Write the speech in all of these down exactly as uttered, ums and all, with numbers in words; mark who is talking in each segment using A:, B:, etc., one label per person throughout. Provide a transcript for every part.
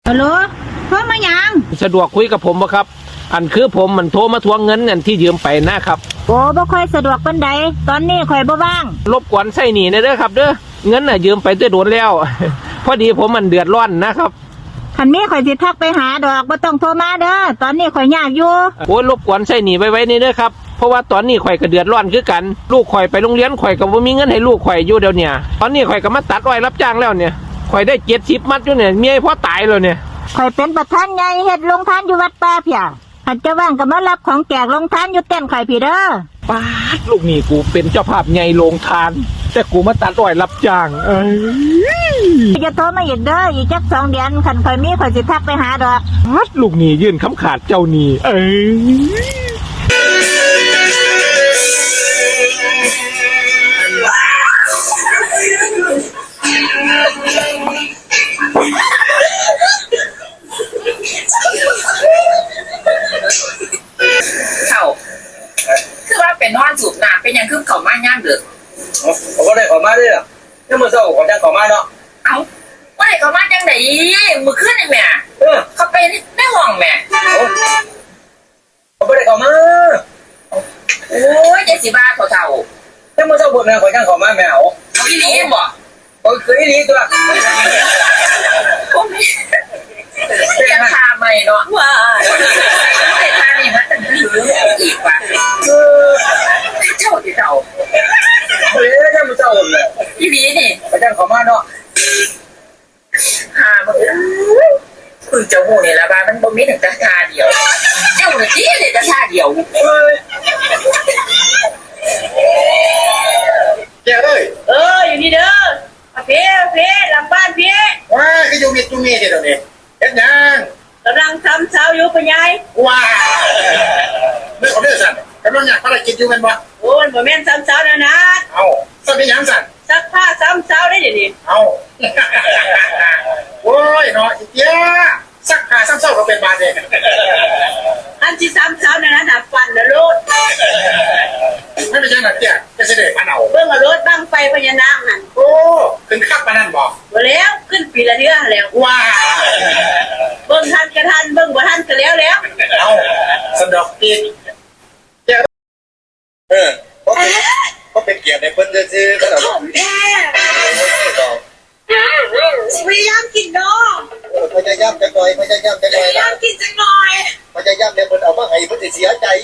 A: ฮัลโหลโทรมายัง
B: สะดวกคุยกับผมบ่ครับอันคือผมมันโทรมาทวงเงินเงินที่ยืมไปนะครับ
A: โอ้บ่ค่อยสะดวกปานใดตอนนี้ข่อยบ่ว่าง
B: รบกวนใส่หนีเด้อครับเด้อเงินน่ะยืมไปตั้งโดนแล้ว พอดีผมมันเดือดร้อนนะครับ
A: คันนี้ข่อยสิทักไปหาดอกบ่ต้องโทรมาเด้อตอนนี้ข่อยยากอยู่
B: โอ้ยรบกวนใส่หนีไว้ไว้นี่เด้อครับเพราะว่าตอนนี้ข่อยก็เดือดร้อนคือกันลูกข่อยไปโรงเรียนข่อยก็บ่มีเงินให้ลูกข่อยอยู่เดี๋ยวนี้ตอนนี้ข่อยก็มาตัดอ้อยรับจ้างแล้วเนี่ยข่อยได้เจ็ดสิบมัดอยู่เนี่ยเมียพ่อตายแล้วเนี่ย
A: ข่อยเป็นประธานใหญ่เฮ็ดโรงทานอยู่วัดป่าเพียคันจะว่างก็มารับของแจกโรงทานอยู่เต้นข่อยพี่เด้อ
B: ป๊าดลูกนี่กูเป็นเจ้าภาพใหญ่โรงทานแต่กูมาตัดอ้อยรับจ้างเอ้ย
A: จะโทรมาอีกเด้ออีกจักสองเดือนคันข่อยมีข่อยสิทักไปหาดอก
B: ป๊าดลูกนี่ยื่นคำขาดเจ้านี่เอ้ย
C: เขาคือว่าเป็นนอนสูบน้ำเป็นยังคือเขามาย่างเดือด
D: ผมก็ได้ขอมาด้วยอ่ะนี่มือเศร้าขอจังขอมาเนาะ
C: เอาว่าไหนเขามาจังไหนมือขึ้นไอ้แม่เขาไปในห้องแม่
D: ผมก็ได้ขอมา
C: โอ้ยเจสิบ้าเขาเท่า
D: นี่มือเศร้าปวดแม่ขอจังขอมาแมว
C: เอาอีหลีบ่
D: โอ้ยคืออีหลีตัว
C: ผมยังพาไม่เนาะว้าแต่ทานี่มันจะถืออีกว่ะเจ้าที่เจ้า
D: เฮ้ยนี่มือเศร้าเลย
C: อีหลีนี่
D: ขอจังขอมาเนาะ
C: หามึงคือเจ้าหูนี่ละบ้านมันบ่มีถึงตาทาเดียวเจ้าเนี่ยจี้เลยตาทาเดียว
D: เจ้าเลย
C: เอออยู่นี่เด้อเพ่เพ่หลังบ้านเพ่
D: ว้าก็อยู่มีจุมีเดี๋ยวนี้เฮ็ดยัง
C: กำลังทำเช้าอยู่ปะยาย
D: ว้าไม่ขอเด้อสั่นกำลังอยากภารกิจอยู่เป็นบ่
C: โอ้ยบ่แม่นซ้ำเช้านะนะ
D: เอาสั่นเป็นยังสั่น
C: ซักผ้าซ้ำเช้าได้เดี๋ยวนี้
D: เอาโอ้ยเนาะอีเตี้ยซักผ้าซ้ำเช้าก็เป็นบาดเลย
C: อันที่ซ้ำเช้านะนะหนักฟันนะลูก
D: ไม่เป็นยังไงเตี้ยจะเสด็จมาเอา
C: เบิ่งรถบั้งไฟพญานาคนั่น
D: โอ้ขึ้นขับมานั่นบอก
C: บ่แล้วขึ้นปีละเทื่อแล้ว
D: ว้า
C: เบิ่งทันกระทันเบิ่งบ่ทันก็แล้วแล้ว
D: เอาสะดอกกินเออเพราะเป็นเพราะเป็นเกียรติในเพิ่นซื่อๆก็ดอก
C: แม่พยายามกินเนาะ
D: พยายามจังหน่อยพยายามจังหน่อย
C: พยายามกินจังหน่อย
D: พยายามเนี่ยเพิ่นเอามาให้เพิ่นสิเสียใจ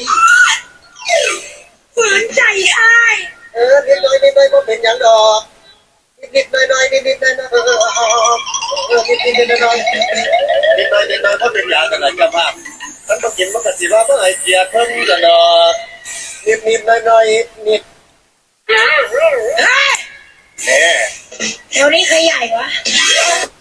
C: ฝืนใจอ้าย
D: เออนิดหน่อยนิดหน่อยบ่เป็นหยังดอกนิดๆหน่อยๆนิดๆหน่อยๆเออเออนิดๆหน่อยๆนิดหน่อยนิดหน่อยบ่เป็นหยังกันล่ะเจ้าภาพมันบ่กินมันก็สิว่าบ่ให้เกียรติเพิ่นกันดอกนิดๆหน่อยๆนิดแหม
C: เดี๋ยวนี้ใครใหญ่วะ